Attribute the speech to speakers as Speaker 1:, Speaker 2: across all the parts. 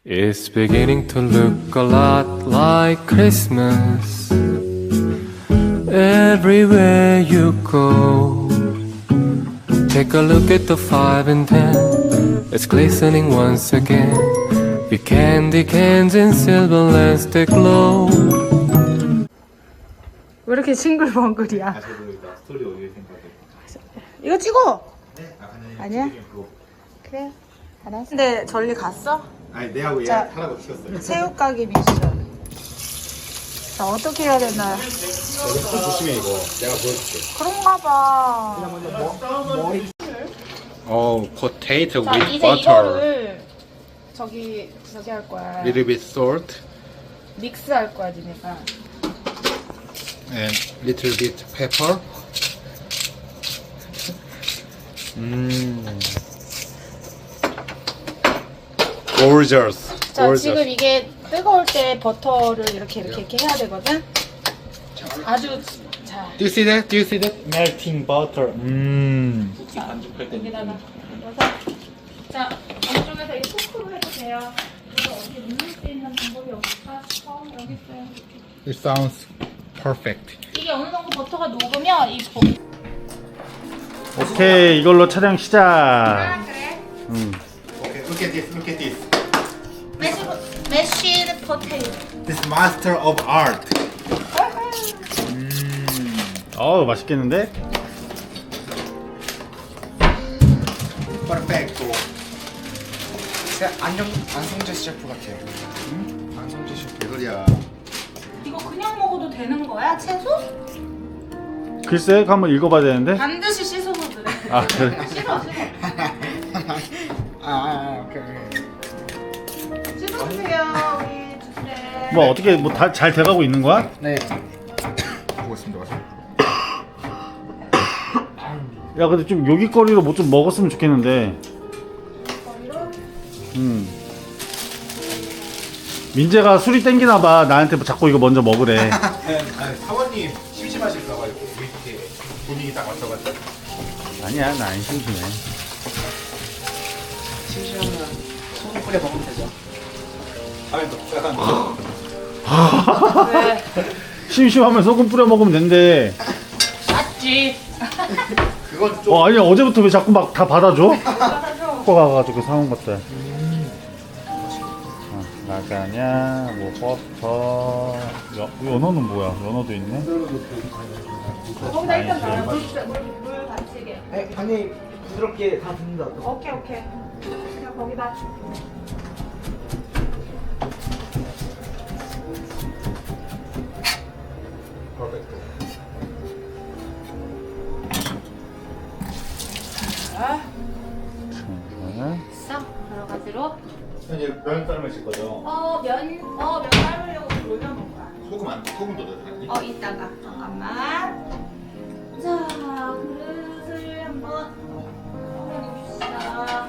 Speaker 1: It's beginning to look a lot like Christmas everywhere you go. Take a look at the 5 and 10. It's glistening once again with candy cans and silver lamps that glow.
Speaker 2: 왜 이렇게 싱글벙글이야?
Speaker 3: 아, 저도 일단 스토리 올릴 생각에.
Speaker 2: 이거 찍어!
Speaker 3: 네?
Speaker 2: 아니야? 그래 알았어. 근데 전리 갔어?
Speaker 3: 아니, 내하고 얘
Speaker 2: 자,
Speaker 3: 하라고 시켰어요.
Speaker 2: 새우가게 미션. 자, 어떻게 해야 되나?
Speaker 3: 좀 조심해, 이거. 내가 보여줄게.
Speaker 2: 그런가 봐.
Speaker 3: potato
Speaker 2: 자, 이제 이거를 저기 할 거야.
Speaker 3: Little bit salt
Speaker 2: 믹스 할 거야, 니네가.
Speaker 3: and little bit pepper. Gorgeous.
Speaker 2: 자, 지금 이게 뜨거울 때 버터를 이렇게 해야 되거든? 아주, 자.
Speaker 3: Do you see that? Do you see that? Melting butter.
Speaker 2: 여기다가 넣어서. 자, 안쪽에서 이 토크로 해도 돼요. 이거 어디 누를 수 있는 방법이 없을까? 여기 있어요.
Speaker 3: It sounds perfect.
Speaker 2: 이게 어느 정도 버터가 녹으면 이
Speaker 4: 오케이, 이걸로 촬영 시작.
Speaker 2: 그래?
Speaker 3: Okay, look at this. Look at this.
Speaker 2: 메쉬드 포테이토.
Speaker 3: This master of art.
Speaker 4: 어우, 맛있겠는데?
Speaker 3: Perfecto.
Speaker 5: 안성재 셰프 같아요. 안성재 셰프.
Speaker 3: 개소리야.
Speaker 2: 이거 그냥 먹어도 되는 거야? 채소?
Speaker 4: 글쎄, 한번 읽어봐야 되는데.
Speaker 2: 반드시 씻어서 그래.
Speaker 4: 아, 그래.
Speaker 2: 씻어.
Speaker 5: 오케이.
Speaker 2: 씻어주세요, 우리 주제.
Speaker 4: 뭐 어떻게 뭐 다 잘 돼가고 있는 거야?
Speaker 5: 네. 보고 있습니다. 가서.
Speaker 4: 야, 근데 좀 요깃거리로 뭐 좀 먹었으면 좋겠는데. 민재가 술이 땡기나 봐. 나한테 뭐 자꾸 이거 먼저 먹으래.
Speaker 3: 아니, 사모님 심심하실까봐 이렇게 분위기 딱 맞춰가지고.
Speaker 4: 아니야, 나 안 심심해.
Speaker 5: 심심하면 소금 뿌려 먹으면 되죠.
Speaker 3: 다음에 또 약간
Speaker 2: 왜?
Speaker 4: 심심하면 소금 뿌려 먹으면 된대.
Speaker 2: 맞지.
Speaker 3: 그건 좀
Speaker 4: 아니야, 어제부터 왜 자꾸 막 다 받아줘? 갖고 가가지고 사온 것들. 라자냐, 뭐 버터, 연어는 뭐야? 연어도 있네.
Speaker 2: 거기다 일단 넣어요. 물 받치게.
Speaker 5: 네, 간이 부드럽게 다 붙는다.
Speaker 2: 오케이. 그냥 거기다.
Speaker 3: 퍼펙트.
Speaker 2: 자,
Speaker 4: 네.
Speaker 2: 싹 여러 가지로.
Speaker 3: 이제 면 삶으실 거죠?
Speaker 2: 면 삶으려고 올려놓은 거야.
Speaker 3: 소금도 넣어야지.
Speaker 2: 이따가 잠깐만. 자, 그릇을 한번 봅시다.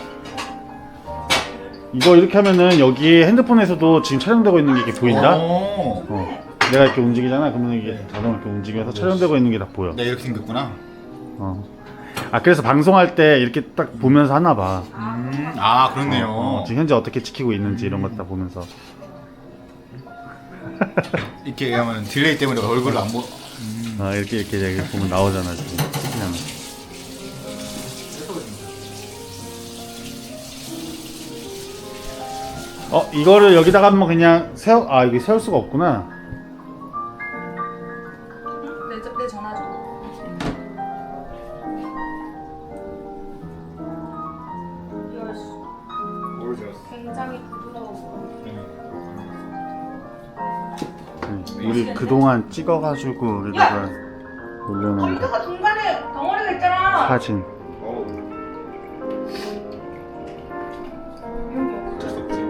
Speaker 4: 이거 이렇게 하면은 여기 핸드폰에서도 지금 촬영되고 있는 게 이렇게 보인다? 내가 이렇게 움직이잖아. 그러면 이게 자동으로 이렇게 움직여서 촬영되고 있는 게 다 보여.
Speaker 3: 네, 이렇게 생겼구나.
Speaker 4: 아, 그래서 방송할 때 이렇게 딱 보면서 하나 봐.
Speaker 3: 아, 그렇네요.
Speaker 4: 지금 현재 어떻게 찍히고 있는지 이런 거 다 보면서.
Speaker 3: 이렇게 하면 딜레이 때문에 얼굴을 안 보.
Speaker 4: 이렇게 보면 나오잖아, 지금. 찍히잖아. 이거를 여기다가 한번 그냥 이게 세울 수가 없구나.
Speaker 2: 내 전화 줘. 굉장히 부드러워.
Speaker 4: 우리 그동안 찍어가지고 여기다가 올려놓은 거.
Speaker 2: 컴퓨터가 중간에 덩어리가 있잖아.
Speaker 4: 사진.
Speaker 3: 어쩔 수 없지.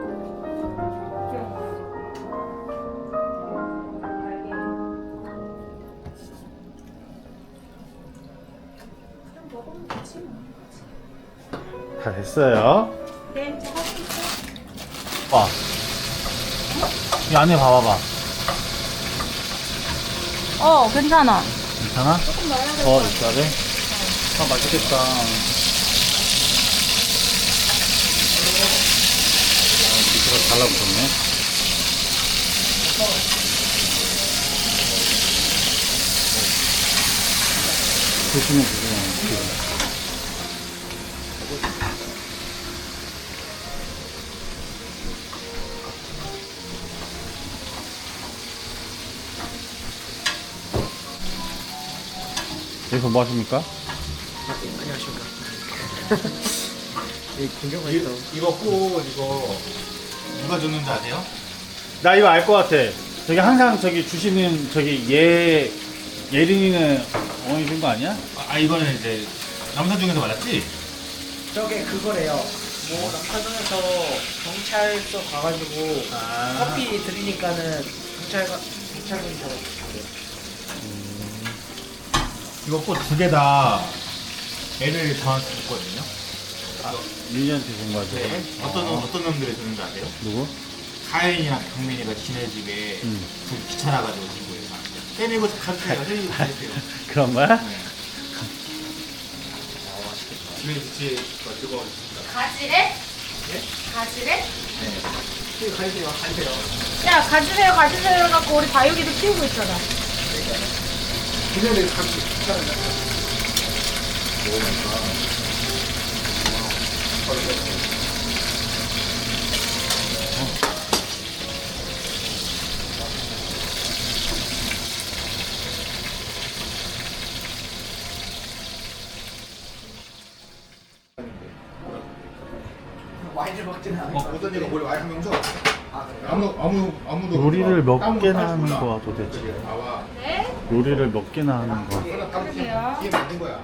Speaker 4: 다 됐어요.
Speaker 2: 네, 저 할수 있어.
Speaker 4: 봐. 이 안에 봐봐봐.
Speaker 2: 괜찮아.
Speaker 4: 괜찮아?
Speaker 2: 조금 넣어야 돼.
Speaker 4: 이따가. 맛있겠다. 달라붙었네. 조심해. 여기서 뭐 하십니까?
Speaker 5: 안녕하십니까. 이 구경을 했어.
Speaker 3: 이거 꽃 이거 누가 줬는지 아세요?
Speaker 4: 나 이거 알 것 같아. 저기 항상 저기 주시는 저기 예린이는 어머니 준 거 아니야?
Speaker 3: 아 이거는 이제 남사 중에서 맞았지?
Speaker 5: 저게 그거래요. 뭐 남사동에서 경찰서 가가지고 커피 드리니까는 경찰분이 잡아주세요.
Speaker 3: 이거 꽃 두 개 다 애를 저한테 줬거든요.
Speaker 4: 민이한테 준 거 같아.
Speaker 3: 네. 어떤 놈들이 줬는지 아세요?
Speaker 4: 누구?
Speaker 3: 가인이랑 경민이가 지네 집에 둘이 귀찮아가지고 준 거예요. 때리고 가주세요. 때리고 가주세요.
Speaker 4: 그런 거야?
Speaker 3: 네. 집에 같이 뜨거워졌습니다.
Speaker 2: 가지래?
Speaker 3: 예?
Speaker 2: 가지래?
Speaker 3: 네.
Speaker 5: 가주세요. 가주세요.
Speaker 2: 야, 가지세요, 가지세요 해갖고 우리 다육이도 키우고 있잖아.
Speaker 3: 그전에 같이 귀찮아요.
Speaker 5: 와인을 먹지는 않아요.
Speaker 3: 어떤 애가 머리 와인 명줘. 아무도
Speaker 4: 요리를 몇
Speaker 3: 아무도
Speaker 4: 개나
Speaker 3: 할
Speaker 4: 하는
Speaker 3: 줄 몰라.
Speaker 4: 거야 도대체?
Speaker 3: 나와.
Speaker 2: 네?
Speaker 4: 요리를 몇 개나 하는 거야?
Speaker 2: 그러게요.
Speaker 3: 이게 만든 거야.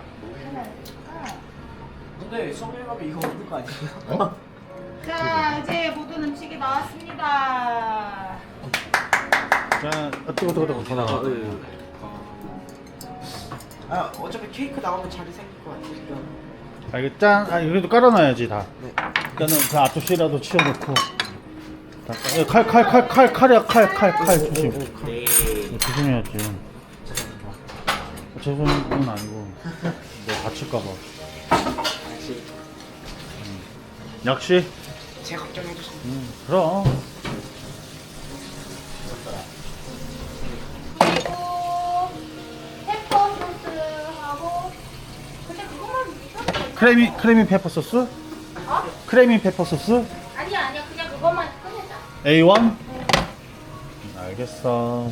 Speaker 5: 근데 성명감이 이거 없는 거 아니에요?
Speaker 3: 어?
Speaker 2: 자, 이제 모든 음식이 나왔습니다.
Speaker 4: 자, 뜨거. 전화가.
Speaker 5: 아 어차피 케이크 나오면 자리 생길 것 같으니까.
Speaker 4: 아 이거 짠. 아 이래도 깔아놔야지 다.
Speaker 5: 네.
Speaker 4: 일단은 그 앞접시라도 치워놓고. 칼 조심.
Speaker 5: 네.
Speaker 4: 이거 조심해야지. 죄송은 아니고 뭐 다칠까봐. 역시.
Speaker 5: 제 걱정해 주세요.
Speaker 4: 그럼.
Speaker 2: 그리고 페퍼 소스하고 근데 그것만 있어도
Speaker 4: 크레미 페퍼 소스?
Speaker 2: 어?
Speaker 4: 크레미 페퍼 소스?
Speaker 2: 아니야, 그냥 그것만 꺼내자.
Speaker 4: A1? 알겠어.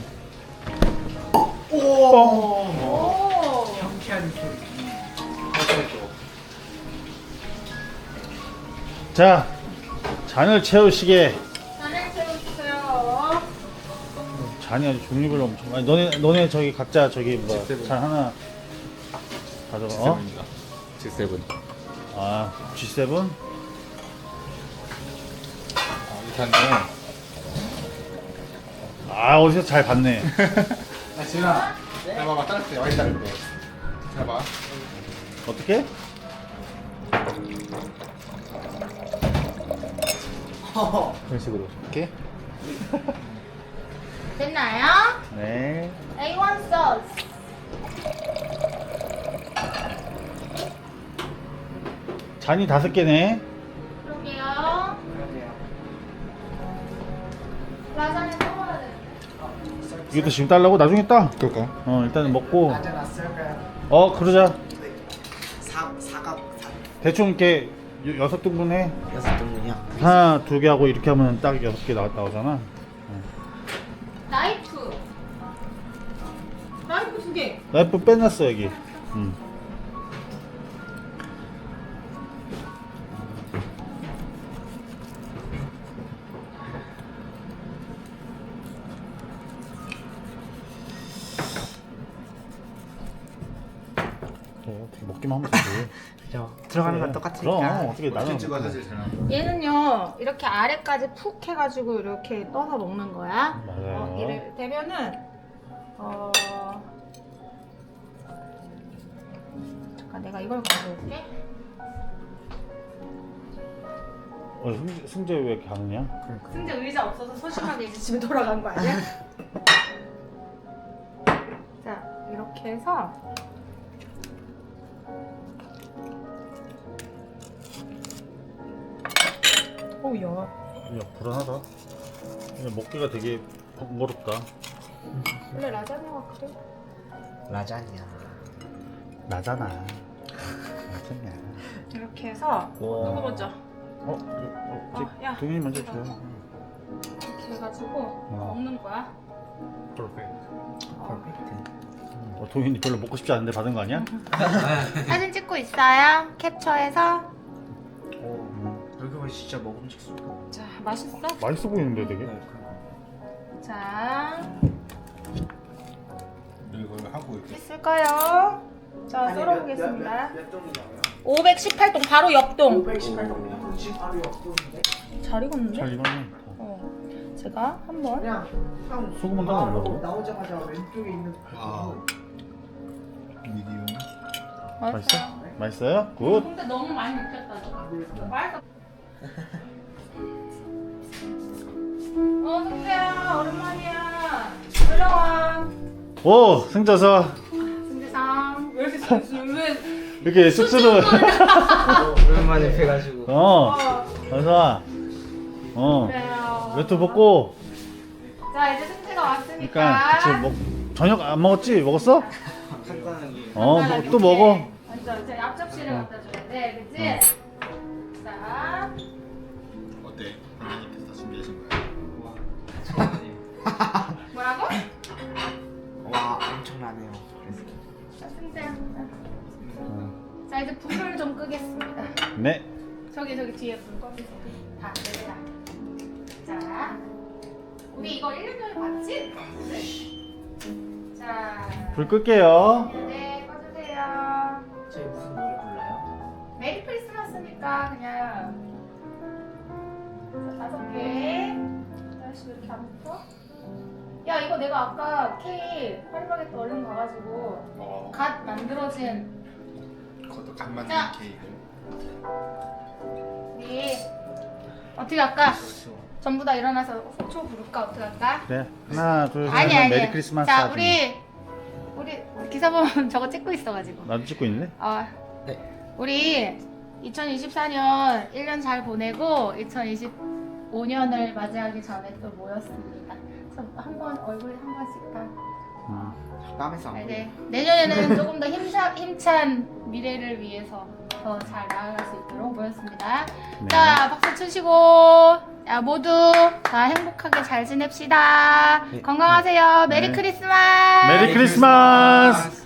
Speaker 2: 오.
Speaker 5: 경쾌한 소리.
Speaker 4: 자, 잔을 채우시게.
Speaker 2: 나는 채워주세요.
Speaker 4: 잔이 아주 종류별로 엄청 많이. 너네 저기 각자 저기 뭐 잔 하나 가져가. 어?
Speaker 3: G7.
Speaker 4: 아, G7?
Speaker 3: 일단은
Speaker 4: 아, 어디서 잘 봤네.
Speaker 3: 아 지은아. 잘 봐봐. 따를 때 와인 따를 때. 잘 봐.
Speaker 4: 어떻게?
Speaker 3: 그런 식으로. 이렇게.
Speaker 2: 됐나요?
Speaker 4: 네.
Speaker 2: A1 소스.
Speaker 4: 잔이 5개네.
Speaker 2: 그러게요. 라자냐 먹어야 돼.
Speaker 4: 이것도 지금 달라고? 나중에 따.
Speaker 3: 그럴까?
Speaker 4: 일단은 먹고.
Speaker 5: 맞아놨을까요?
Speaker 4: 그러자.
Speaker 5: 사각
Speaker 4: 대충 이렇게 6등분 해.
Speaker 5: 6등분이요.
Speaker 4: 하나, 2개 하고 이렇게 하면 딱 6개 나오잖아.
Speaker 2: 나이프. 나이프 2개.
Speaker 4: 나이프 빼놨어, 여기. 어떻게 먹기만 하면 되지.
Speaker 5: 그죠. 들어가는 건 똑같으니까.
Speaker 4: 그럼 어떻게 나는
Speaker 3: 찍어 사실 잘 나와.
Speaker 2: 얘는요 이렇게 아래까지 푹 해가지고 이렇게 떠서 먹는 거야.
Speaker 4: 맞아요.
Speaker 2: 이래 되면은 잠깐 내가 이걸 가져올게.
Speaker 4: 승재 왜 이렇게 가느냐?
Speaker 2: 승재 의자 없어서 소심하게 이제 집에 돌아간 거 아니야? 자 이렇게 해서 오야
Speaker 4: 야, 불안하다. 그냥 먹기가 되게 번거롭다.
Speaker 2: 원래 라자냐가 그래?
Speaker 5: 라자냐.
Speaker 4: 나잖아. 나잖냐.
Speaker 2: 이렇게 해서 누구 먼저? 야.
Speaker 4: 동현이 먼저 줘요.
Speaker 2: 이렇게 해가지고 먹는 거야.
Speaker 4: 동현이 별로 먹고 싶지 않은데 받은 거 아니야?
Speaker 2: 사진 찍고 있어요. 캡처해서.
Speaker 5: 여기 보면 진짜 먹음직스러워.
Speaker 2: 자, 맛있어?
Speaker 4: 맛있어 보이는데 되게.
Speaker 2: 자,
Speaker 3: 이걸 하고 이렇게
Speaker 2: 있을까요? 자, 썰어보겠습니다. 518동 바로 옆동.
Speaker 5: 518동이면 바로 옆동인데.
Speaker 2: 잘 익었는데?
Speaker 4: 잘 익었네.
Speaker 2: 제가 한번.
Speaker 5: 그냥 형
Speaker 4: 소금은 따로 안 넣어?
Speaker 5: 나오자마자 왼쪽에 있는
Speaker 3: 미디움.
Speaker 4: 맛있어? 맛있어요? 굿.
Speaker 2: 근데 너무 많이 익혔다. 맛있어. 승재야, 오랜만이야. 올라와.
Speaker 4: 오, 승자서
Speaker 2: 승재상. 왜 이렇게 왜?
Speaker 4: 이렇게 쑥스러워.
Speaker 5: 오랜만에 뵈가지고.
Speaker 4: 어서 와.
Speaker 2: 그래요.
Speaker 4: 외투 벗고.
Speaker 2: 자, 이제 승재가 왔으니까.
Speaker 4: 그러니까 같이 저녁 안 먹었지? 먹었어?
Speaker 5: 간단하게.
Speaker 4: 또 먹어.
Speaker 2: 완전 제 앞접시를 갖다 줘야 돼, 그치? 자,
Speaker 3: 어때? 선생님께서 준비하신 거예요?
Speaker 2: 뭐라고?
Speaker 5: 와 엄청나네요.
Speaker 2: 자, 승재야. 자, 이제 불을 좀 끄겠습니다.
Speaker 4: 네.
Speaker 2: 저기 뒤에 불 꺼주세요. 다, 내가. 자, 우리 이거 1년 전에 봤지? 자,
Speaker 4: 불 끌게요.
Speaker 2: 네, 꺼주세요.
Speaker 5: 저희 무슨 노래 불러요?
Speaker 2: 메리 크리스마스니까 그냥 자, 5개. 아저씨 왜 이렇게 안 붙어? 야, 이거 내가 아까 케이크 파리바게뜨 얼른 가가지고 갓 만들어진
Speaker 3: 그것도 간 만든
Speaker 2: 자.
Speaker 3: 케이크.
Speaker 2: 우리 어떻게 할까? 전부 다 일어나서 호초 부를까? 어떻게 할까?
Speaker 4: 네. 하나, 둘, 셋.
Speaker 2: 아니 아니.
Speaker 4: 메리 크리스마스.
Speaker 2: 자,
Speaker 4: 하지.
Speaker 2: 우리 기사범 저거 찍고 있어가지고.
Speaker 4: 나도 찍고 있는데?
Speaker 5: 네.
Speaker 2: 우리 2024년 1년 잘 보내고 2025년을 맞이하기 전에 또 모였습니다. 그래서 한번 얼굴 한 번씩 다.
Speaker 5: 땀에서 안 보여.
Speaker 2: 네. 내년에는 조금 더 힘찬 미래를 위해서 더 잘 나아갈 수 있도록 모였습니다.
Speaker 4: 네.
Speaker 2: 자, 박수 치시고, 자, 모두 다 행복하게 잘 지냅시다.
Speaker 5: 네.
Speaker 2: 건강하세요. 메리
Speaker 4: 네.
Speaker 2: 크리스마스.
Speaker 4: 메리 크리스마스.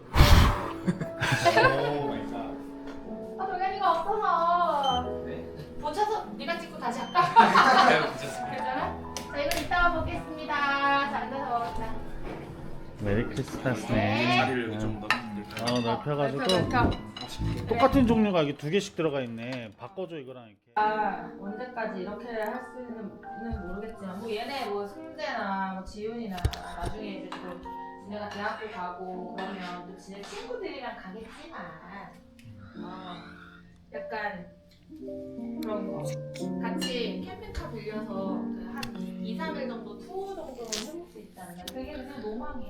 Speaker 3: 오 마이 갓.
Speaker 2: 아, 동현이가 없어서.
Speaker 5: 네.
Speaker 2: 붙여서 네가 찍고 다시 할까? 괜찮아? 자, 이거 이따가 보겠습니다. 자, 앉아서 먹자.
Speaker 4: 메리 크리스마스네.
Speaker 2: 네.
Speaker 3: 자리를 좀더
Speaker 4: 넓혀가지고
Speaker 2: 넓혀.
Speaker 4: 똑같은 종류가 이게 2개씩 들어가 있네. 바꿔줘 이거랑 이렇게.
Speaker 2: 언제까지 이렇게 할 수는 모르겠지만 뭐 얘네 뭐 승재나 뭐 지훈이나 나중에 이제 또 지네가 대학교 가고 그러면 또 지네 친구들이랑 가겠지만 약간 그런 거 같이 캠핑카 빌려서 그한 2, 3일 정도 투어 정도는 해볼 수 있다는 거 그게 그냥 로망이야.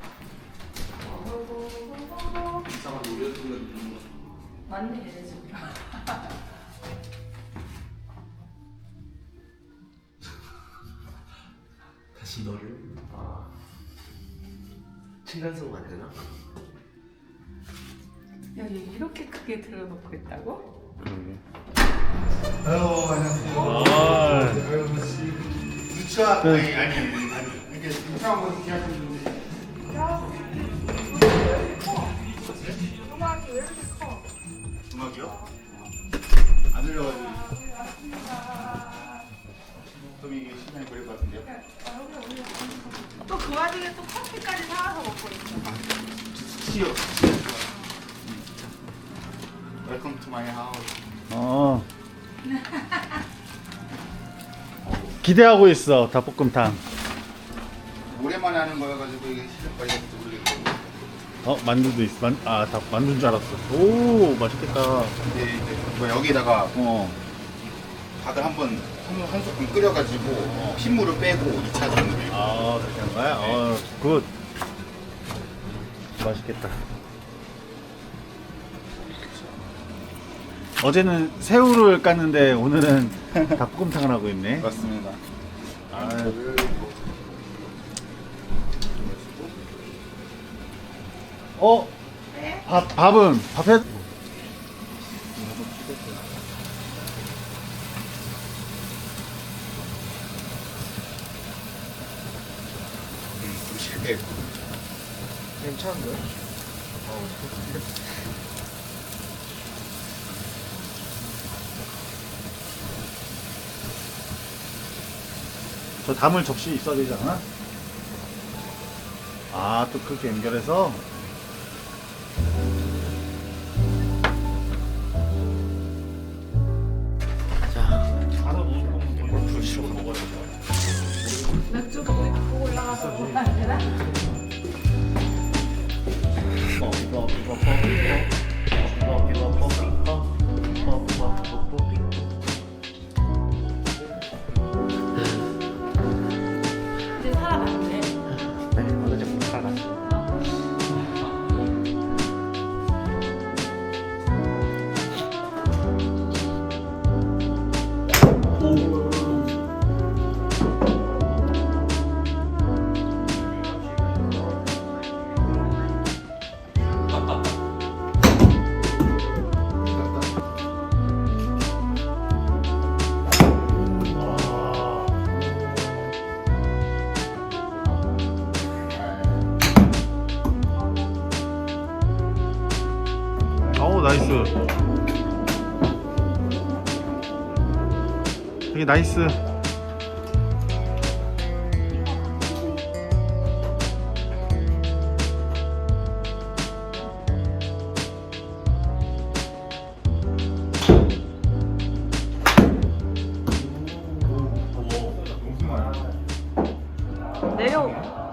Speaker 2: 맞네 얘네 지금.
Speaker 5: 다시 너를 층간소음 만드나?
Speaker 2: 야, 얘 이렇게 크게 들어놓고 있다고?
Speaker 4: 그러게.
Speaker 3: 아유 안녕하세요.
Speaker 4: 아,
Speaker 3: 유치원 아니 이렇게 유치원 거 기약했는데.
Speaker 2: 음악이 왜 이렇게 커?
Speaker 3: 음악이요? 안 들려가지고. 그럼 이게 시간이 걸릴 것 같은데요?
Speaker 2: 또 그 와중에 또 커피까지 사와서 먹고 있어.
Speaker 3: 치요. 웰컴 투 마이 하우스.
Speaker 4: 기대하고 있어 닭볶음탕.
Speaker 3: 오랜만에 하는 거여가지고 이게 시작까지 모르겠고.
Speaker 4: 만두도 있어. 닭 만두인 줄 알았어. 오, 맛있겠다.
Speaker 3: 근데 이제 뭐 여기다가 닭을 한번 한 소끔 끓여가지고 핏물을 빼고 2차 정도.
Speaker 4: 그렇게 한 거야? 굿. 맛있겠다. 어제는 새우를 깠는데 오늘은 닭볶음탕을 하고 있네.
Speaker 3: 맞습니다.
Speaker 4: 아유. 밥은 밥해.
Speaker 3: 좀 실패.
Speaker 5: 괜찮은데?
Speaker 4: 저 담을 접시 있어야 되지 않아? 아, 또 그렇게 연결해서.
Speaker 2: 맥주 먹고 올라가서 먹으면 안 되나? 이제 살아났네.
Speaker 5: 네, 어느 정도 살았어.
Speaker 4: 어우, 나이스. 되게 나이스.
Speaker 2: 내려.